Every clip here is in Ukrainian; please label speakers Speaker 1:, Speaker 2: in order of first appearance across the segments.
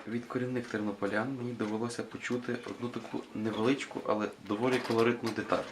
Speaker 1: Від корінних тернополян мені довелося почути одну таку невеличку, але доволі колоритну деталь.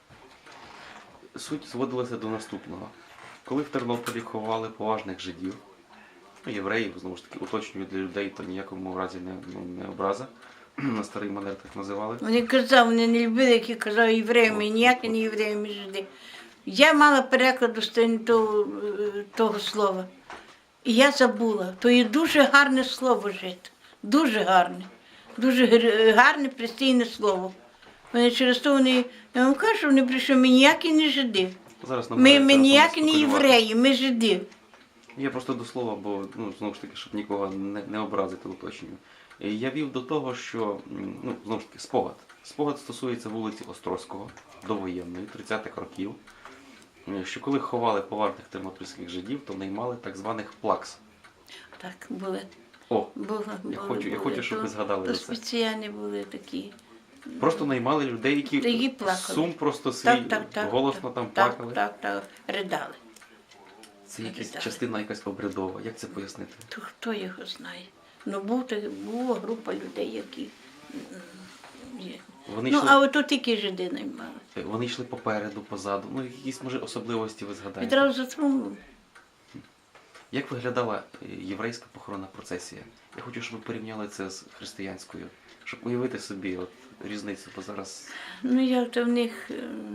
Speaker 1: Суть зводилася до наступного. Коли в Тернополі ховали поважних жидів, євреїв, знову ж таки, уточнюю для людей, то ніякому разі не образа, на старий манер так називали.
Speaker 2: Вони казали, вони не любили, які казали євреями, ніякі не євреями жиди. Я мала перекладу того слова. І я забула. То є дуже гарне слово жити. Дуже гарне. Дуже гарне, пристійне слово. Вони через то вони, я вам кажу, вони прийшли, ми ніякі не жиди.
Speaker 1: Зараз
Speaker 2: Ми ніякі не євреї, ми жиди.
Speaker 1: Я просто до слова, бо, знову ж таки, щоб нікого не образити, уточнюю. Я вів до того, що, знову ж таки, спогад. Спогад стосується вулиці Острозького, довоєнної, 30-х років, що коли ховали поважних тернопільських жидів, то наймали так званих плакс.
Speaker 2: Так, були.
Speaker 1: О,
Speaker 2: Були,
Speaker 1: я хочу, щоб ви згадали
Speaker 2: то
Speaker 1: за це.
Speaker 2: спеціальні були такі.
Speaker 1: Просто наймали людей, які
Speaker 2: плакали.
Speaker 1: сум просто свій, голосно там плакали.
Speaker 2: Так, ридали.
Speaker 1: Це якась частина якась обрядова. Як це пояснити?
Speaker 2: То хто його знає? Ну, була група людей, які є. А от тут тільки жиди наймали.
Speaker 1: Вони йшли попереду, позаду. Якісь, може, особливості ви згадаєте?
Speaker 2: Відразу за трумбу.
Speaker 1: Як виглядала єврейська похоронна процесія? Я хочу, щоб ви порівняли це з християнською, щоб уявити собі різницю, бо зараз...
Speaker 2: Як то в них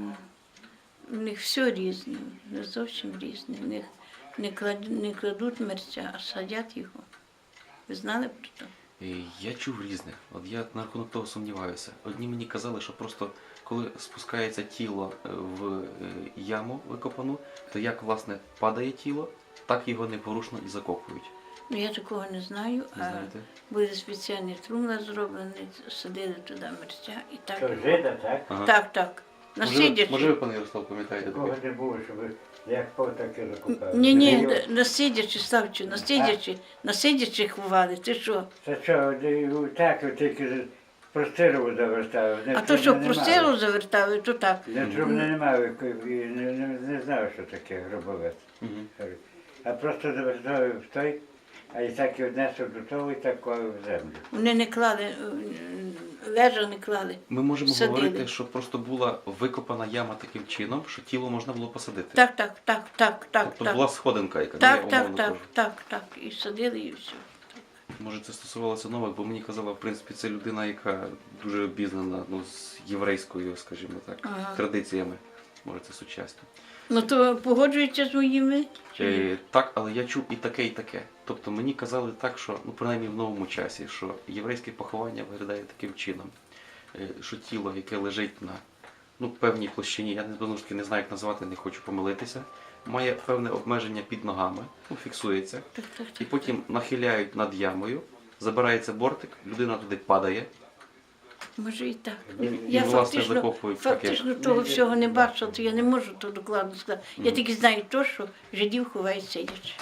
Speaker 2: все різне, не зовсім різне. В них не кладуть мерця, а садять його. Ви знали про це?
Speaker 1: Я чув різних. Я на рахунок того сумніваюся. Одні мені казали, що просто коли спускається тіло в яму викопану, то як, власне, падає тіло, так його непорушно і закопують.
Speaker 2: Я такого не знаю, а були спеціальні трумла зроблені, садили туди мерця і так.
Speaker 3: То жида, так?
Speaker 1: Ага.
Speaker 2: Так.
Speaker 1: Може ви, пане Ярослав, пам'ятаєте таке?
Speaker 3: Такого не було, щоб як таке закупали.
Speaker 2: Ні, насидячи, Славчу, насидячи ховали, ти що?
Speaker 3: Це що, так, тільки простиру завертали.
Speaker 2: А то що, простилу завертали, то так.
Speaker 3: Не трубне немає, не знав, що таке гробовець. А просто завертали в той, а і так і однесли до того, і так клали в землю.
Speaker 2: Вони не клали, лежа не клали.
Speaker 1: Ми можемо
Speaker 2: Садили.
Speaker 1: говорити, що просто була викопана яма таким чином, що тіло можна було посадити.
Speaker 2: Так.
Speaker 1: Тобто була сходинка, яка, умовно кажу.
Speaker 2: Так. І садили, і все.
Speaker 1: Може, це стосувалося нових, бо мені казала, в принципі, це людина, яка дуже обізнана з єврейською, скажімо так, традиціями. Може, це сучасні.
Speaker 2: То погоджується з моїми?
Speaker 1: Так, але я чув і таке, і таке. Тобто мені казали так, що, принаймні в новому часі, що єврейське поховання виглядає таким чином, що тіло, яке лежить на певній площині, я не знаю, як назвати, не хочу помилитися, має певне обмеження під ногами, фіксується, і потім нахиляють над ямою, забирається бортик, людина туди падає.
Speaker 2: Може і так.
Speaker 1: І власне, закопують
Speaker 2: фактично того всього не бачила, то я не можу то докладно сказати. Я тільки знаю то, що жидів ховають сидячи.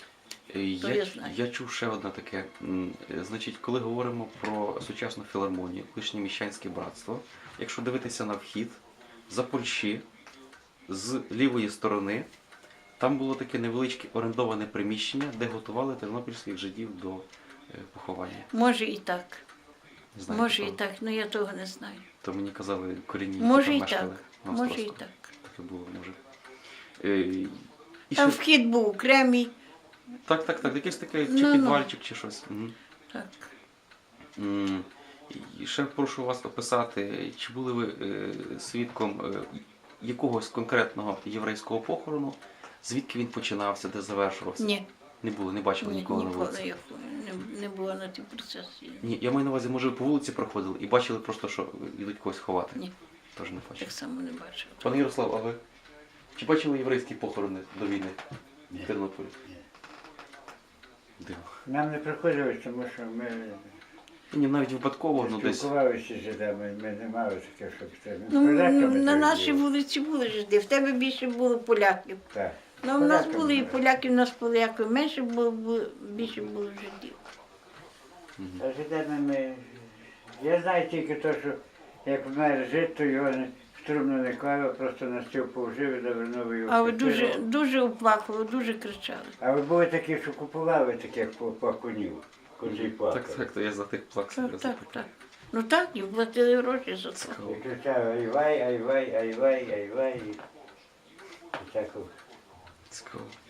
Speaker 1: Я чув ще одне таке. Значить, коли говоримо про сучасну філармонію, колишнє міщанське братство, якщо дивитися на вхід, за Польщі, з лівої сторони, там було таке невеличке орендоване приміщення, де готували тернопільських жидів до поховання.
Speaker 2: Може і так.
Speaker 1: Не знаю,
Speaker 2: Може і так, але я того не знаю.
Speaker 1: То мені казали корінні,
Speaker 2: може
Speaker 1: які там
Speaker 2: і
Speaker 1: мешкали на
Speaker 2: Може і
Speaker 1: Острозькому.
Speaker 2: так.
Speaker 1: Таке було, може.
Speaker 2: Там вхід був окремий.
Speaker 1: Так, якийсь такий чи підвальчик, чи щось.
Speaker 2: Так.
Speaker 1: І ще прошу вас описати, чи були ви свідком якогось конкретного єврейського похорону, звідки він починався, де завершувався?
Speaker 2: Ні.
Speaker 1: Не було, не бачили ніколи на вулиці?
Speaker 2: Я не була на тій процесі.
Speaker 1: Ні, я маю на увазі, може ви по вулиці проходили і бачили просто, що йдуть когось ховати?
Speaker 2: Ні.
Speaker 1: Теж не бачили.
Speaker 2: Так само не бачила.
Speaker 1: Пане Ярослав, а ви? Чи бачили єврейські похорони до війни в Тернополі?
Speaker 3: Ні.
Speaker 1: Дивно.
Speaker 3: Нам не приходилось, тому що ми
Speaker 1: Ні, навіть випадково, десь.
Speaker 3: спілкувалися з жидами, ми не мали таке, щоб це.
Speaker 2: На нашій вулиці були жиди, в тебе більше було поляків.
Speaker 3: Так.
Speaker 2: Ну, в нас були і поляки, в нас поляків менше було, більше було жидів.
Speaker 3: А жидами я знаю тільки те, що як вмер жит, то його в трубну не клали, просто на стіл положив і завернув його.
Speaker 2: А ви дуже оплакували, дуже кричали.
Speaker 3: А ви були такі, що купували таких плакунів. куди
Speaker 1: Так,
Speaker 3: плакали.
Speaker 1: так, то я за тих плаксів
Speaker 2: Так, так, так. Ну так, їм платили гроші за це.
Speaker 1: Цікаво.
Speaker 3: І кричав айвай, айвай, айвай, айвай. І таку.
Speaker 1: Цікаво.